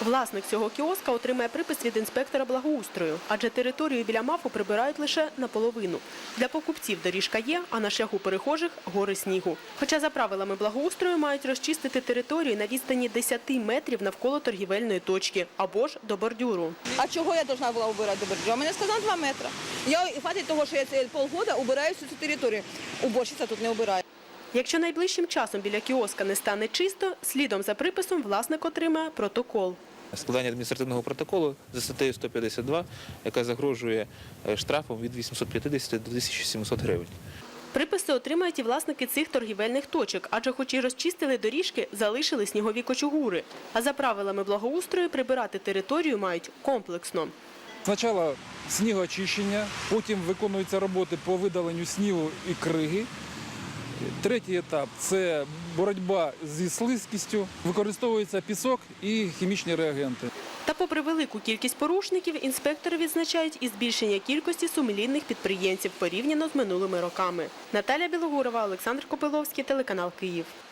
Власник цього кіоска отримає припис від інспектора благоустрою, адже територію біля МАФу прибирають лише наполовину. Для покупців доріжка є, а на шляху перехожих – гори снігу. Хоча за правилами благоустрою мають розчистити територію на відстані 10 метрів навколо торгівельної точки або ж до бордюру. А чого я повинна була убирати до бордюру? Мені сказали 2 метри. Я хватить того, що я полгода убираю всю цю територію. Уборщиця тут не убирає. Якщо найближчим часом біля кіоска не стане чисто, слідом за приписом власник отримає протокол. Складання адміністративного протоколу за статтею 152, яка загрожує штрафом від 850 до 1700 гривень. Приписи отримають і власники цих торгівельних точок, адже хоч і розчистили доріжки, залишили снігові кочугури. А за правилами благоустрою прибирати територію мають комплексно. Спочатку снігоочищення, потім виконуються роботи по видаленню снігу і криги. Третій етап – це боротьба зі слизькістю, використовується пісок і хімічні реагенти. Та попри велику кількість порушників, інспектори відзначають і збільшення кількості сумлінних підприємців порівняно з минулими роками. Наталя Білогурова, Олександр Копиловський, телеканал «Київ».